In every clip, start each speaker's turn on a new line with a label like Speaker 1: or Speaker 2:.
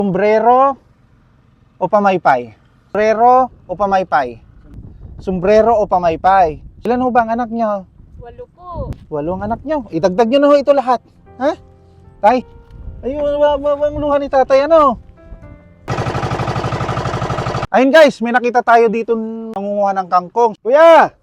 Speaker 1: Sombrero o pamaypay? Sombrero o pamaypay? Sombrero o pamaypay? Ilan ho ba ang anak nyo?
Speaker 2: 8 po.
Speaker 1: 8 ang anak nyo. Idagdag nyo na ho ito lahat. Ha? Tay? Ayun, ang luha ni tatay, ano? Ayun guys, may nakita tayo dito nangunguha ng kangkong. Kuya!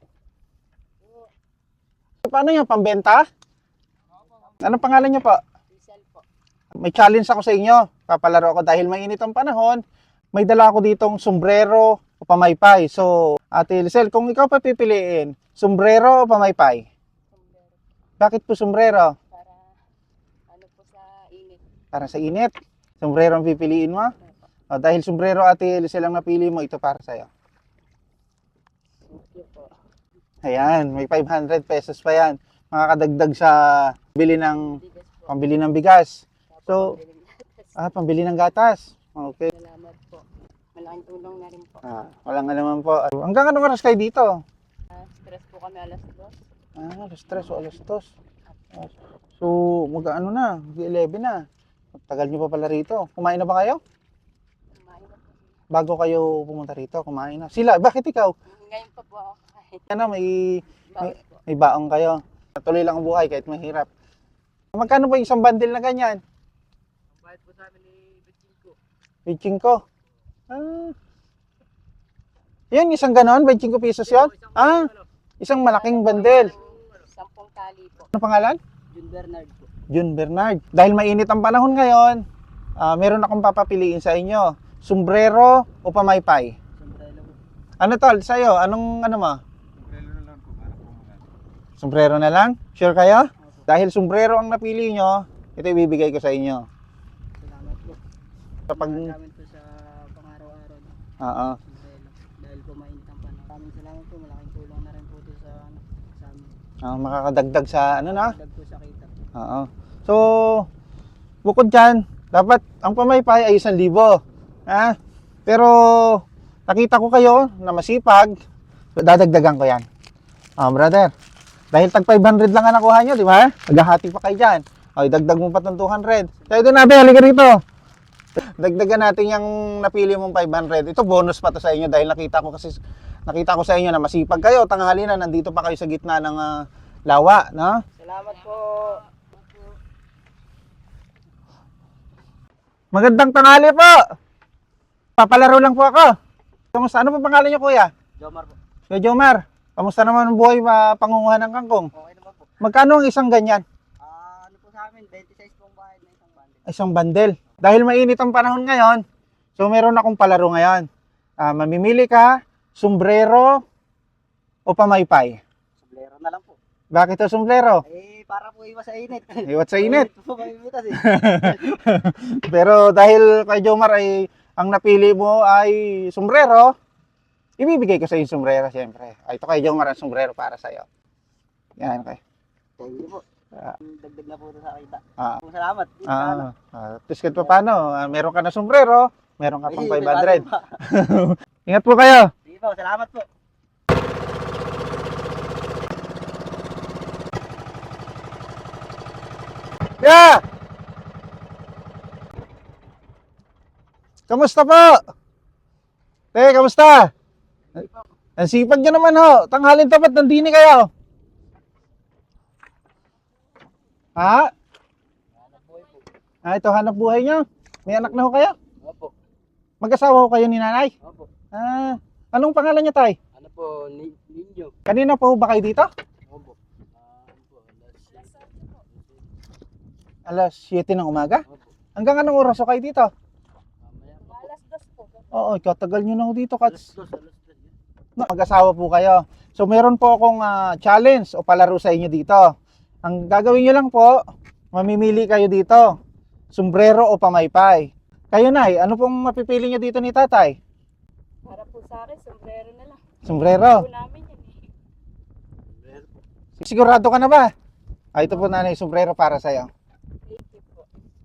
Speaker 1: Paano yan? Pambenta? Anong pangalan nyo po?
Speaker 2: Rizal po.
Speaker 1: May challenge ako sa inyo. Papalaro ako dahil mainit ang panahon. May dala ako ditong sombrero o pamaypay. So, Ate Lisel, kung ikaw pa pipiliin, sombrero o pamaypay?
Speaker 2: Sombrero.
Speaker 1: Bakit po sombrero?
Speaker 2: Para ano po sa init.
Speaker 1: Para sa init. Sombrero ang pipiliin mo? O, dahil sombrero, Ate Lisel, ang napili mo, ito para sa'yo.
Speaker 2: Thank you po.
Speaker 1: Ayan, may 500 pesos pa yan. Makakadagdag sa
Speaker 2: Bigas po.
Speaker 1: pambili ng bigas.
Speaker 2: Tapos
Speaker 1: So,
Speaker 2: pambili ng gatas.
Speaker 1: pambili ng gatas. Okay.
Speaker 2: Salamat po. Malaking tulong na rin po.
Speaker 1: Walang alaman po. Hanggang anong oras kayo dito?
Speaker 2: Stress po kami alas 2.
Speaker 1: Alas 3 o alas 2. So, mag-ano na, mag-11 na. Tagal nyo pa pala rito. Kumain na ba kayo?
Speaker 2: Kumain na po.
Speaker 1: Bago kayo pumunta rito, kumain na. Sila, bakit ikaw?
Speaker 2: Ngayon pa po ako kain.
Speaker 1: Ano,
Speaker 2: Bawal po.
Speaker 1: may baong kayo. Tuloy lang ang buhay kahit mahirap. Magkano ba yung isang bundle na ganyan?
Speaker 2: Ang bayad po sa amin ni Betchinko.
Speaker 1: 25. Yan, isang ganon, 25 pesos yun? Isang malaking bundle.
Speaker 2: 10 tali po.
Speaker 1: Ano pangalan?
Speaker 2: Jun Bernard po.
Speaker 1: Jun Bernard. Dahil mainit ang panahon ngayon, meron akong papapiliin sa inyo. Sombrero o pamaypay?
Speaker 2: Sombrero po.
Speaker 1: Ano tol, sa'yo? Anong ano mo? Sombrero na lang? Sure kayo? Dahil sombrero ang napili nyo, ito ibibigay ko sa inyo.
Speaker 2: Salamat po.
Speaker 1: Kapag,
Speaker 2: Salamat po sa pang-araw-araw.
Speaker 1: oo.
Speaker 2: Sombrero. Dahil po mainit ang panahon. Maraming salamat po. Malaking tulong na rin po ito sa amin.
Speaker 1: Makakadagdag sa ano na?
Speaker 2: Dagdag po sa kita.
Speaker 1: Oo. So, bukod dyan, dapat ang pamaypay ay 1,000. Ha? Pero, nakita ko kayo na masipag, so dadagdagan ko yan. Brother, dahil tag 500 lang ang nakuha nyo, di ba? Naghahati pa kayo dyan. O, dagdag mo pa itong 200. Kaya doon nabe, halika rito. Dagdagan natin yung napili mong 500. Ito bonus pa to sa inyo dahil nakita ko sa inyo na masipag kayo. Tanghali na, nandito pa kayo sa gitna ng lawa, no?
Speaker 2: Salamat po.
Speaker 1: Magandang tanghali po. Papalaro lang po ako. Kamusta? Ano po pangalan niyo, kuya?
Speaker 2: Jomar po.
Speaker 1: Kuya Jomar, kamusta naman ang buhay pangunguha ng kangkong?
Speaker 2: Okay naman po.
Speaker 1: Magkano ang isang ganyan?
Speaker 2: Ano po sa amin, 26 pong bayad na isang bundle.
Speaker 1: Isang bandel. Dahil mainit ang panahon ngayon, so meron akong palaro ngayon. Mamimili ka, sombrero o pamaypay?
Speaker 2: Sombrero na lang po.
Speaker 1: Bakit ito sombrero?
Speaker 2: Para po iwas sa init.
Speaker 1: Iwat sa init.
Speaker 2: po mamimitas eh.
Speaker 1: Pero dahil kay Jomar ay ang napili mo ay sombrero, ibibigay ko sa iyo sombrero siyempre. Ay, ito kay Jomar ang sombrero para sa iyo. Yan, okay.
Speaker 2: Thank you po. Dagdag na po ito sa kita.
Speaker 1: Ah.
Speaker 2: Salamat.
Speaker 1: Tapos kahit pa paano, meron ka na sombrero, meron ka pang 500.
Speaker 2: Po.
Speaker 1: Ingat po kayo.
Speaker 2: Sige po, salamat po.
Speaker 1: Yeah! Kamusta po? Kamusta? Ang sipag nyo naman ho. Tanghalin tapat, nandini kayo. Ha? Ito hanap buhay nyo. May anak na ho kayo?
Speaker 2: Opo.
Speaker 1: Mag-asawa ho kayo ni nanay?
Speaker 2: Opo.
Speaker 1: Anong pangalan niya, tay?
Speaker 2: Ano po, Ninyo?
Speaker 1: Kanina pa ho ba kayo dito?
Speaker 2: Opo.
Speaker 1: Alas 7 ng umaga?
Speaker 2: Opo.
Speaker 1: Hanggang anong oras ho kayo dito?
Speaker 2: Alas 2 po.
Speaker 1: Oo, katagal nyo na ho dito, Kats.
Speaker 2: Alas 2.
Speaker 1: Mag-asawa po kayo. So meron po akong challenge o palaro sa inyo dito. Ang gagawin nyo lang po, mamimili kayo dito. Sombrero o pamaypay. Kayo, Nay, ano pong mapipili nyo dito ni tatay?
Speaker 2: Para po sa akin, sombrero na lang.
Speaker 1: Sombrero.
Speaker 2: Po namin yan eh.
Speaker 1: Sigurado ka na ba? Ito po, nanay, sombrero para sa'yo.
Speaker 2: Thank you po.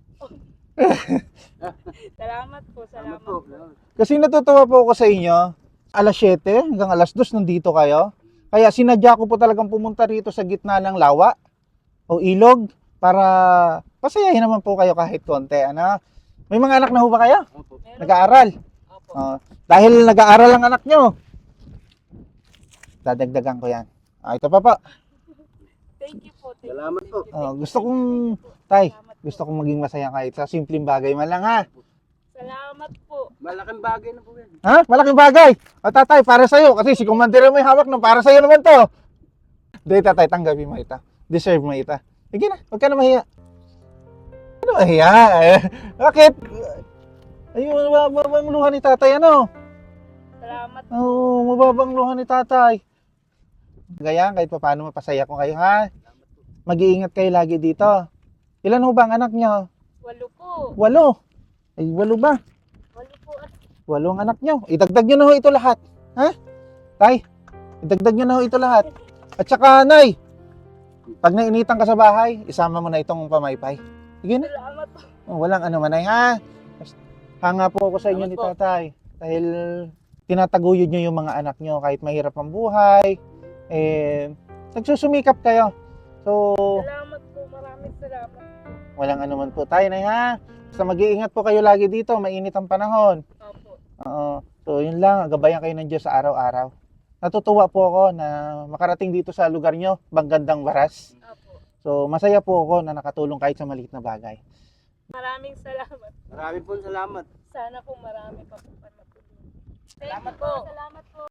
Speaker 2: Salamat po, salamat po.
Speaker 1: Kasi natutuwa po ako sa inyo. Alas 7 hanggang alas 2 nandito kayo. Kaya sinadya ko po talagang pumunta rito sa gitna ng lawa o ilog para pasayahin naman po kayo kahit konti. Ano? May mga anak na ho ba kayo?
Speaker 2: Opo.
Speaker 1: Nag-aaral?
Speaker 2: Opo.
Speaker 1: Dahil nag-aaral ang anak nyo, dadagdagan ko yan. Ito pa po.
Speaker 3: Thank you po.
Speaker 2: Salamat po.
Speaker 1: Gusto kong, tay, gusto kong maging masaya kahit sa simpleng bagay man lang ha.
Speaker 3: Salamat po.
Speaker 2: Malaking bagay na po yan.
Speaker 1: Ha? Malaking bagay. Tatay, para sa'yo. Kasi si Commander mo yung hawak ng para sa'yo naman to. Hindi, tatay, tanggapin mo ito. Deserve mo ito. Sige na, huwag ka na mahiya. Ano mahiya? Bakit? Ayun, mababang luha ni tatay, ano?
Speaker 3: Salamat po.
Speaker 1: Oo, mababang luha ni tatay. Gaya, kahit pa paano mapasaya ko kayo, ha? Mag-iingat kayo lagi dito. Ilan ho ba ang anak niyo?
Speaker 3: 8 po.
Speaker 1: 8. Ay, 8 ba?
Speaker 3: 8 po at
Speaker 1: 8 ang anak niyo. Idagdag niyo na ho ito lahat. Ha? Tay, idagdag niyo na ho ito lahat. At saka, Nay, pag nainitan ka sa bahay, isama mo na itong pamaypay. Sige na.
Speaker 3: salamat po.
Speaker 1: Walang ano man ay, ha? Hanga po ako sa inyo ni
Speaker 2: Salamat po.
Speaker 1: tatay. Dahil tinataguyod niyo yung mga anak niyo kahit mahirap ang buhay. Nagsusumikap kayo. So,
Speaker 3: Salamat po. Maraming salamat.
Speaker 1: walang ano man po tayo, Nay, ha? Basta mag-iingat po kayo lagi dito. Mainit ang panahon.
Speaker 3: Opo.
Speaker 1: Oo. So, yun lang. Gabayan kayo ng Diyos sa araw-araw. Natutuwa po ako na makarating dito sa lugar nyo, Banggandang Waras.
Speaker 3: Opo.
Speaker 1: So, masaya po ako na nakatulong kahit sa maliit na bagay.
Speaker 3: Maraming salamat.
Speaker 2: Marami po salamat.
Speaker 3: Sana po marami pa po kayo matulungan. Thank
Speaker 2: Salamat
Speaker 3: you
Speaker 2: po.
Speaker 3: Salamat po.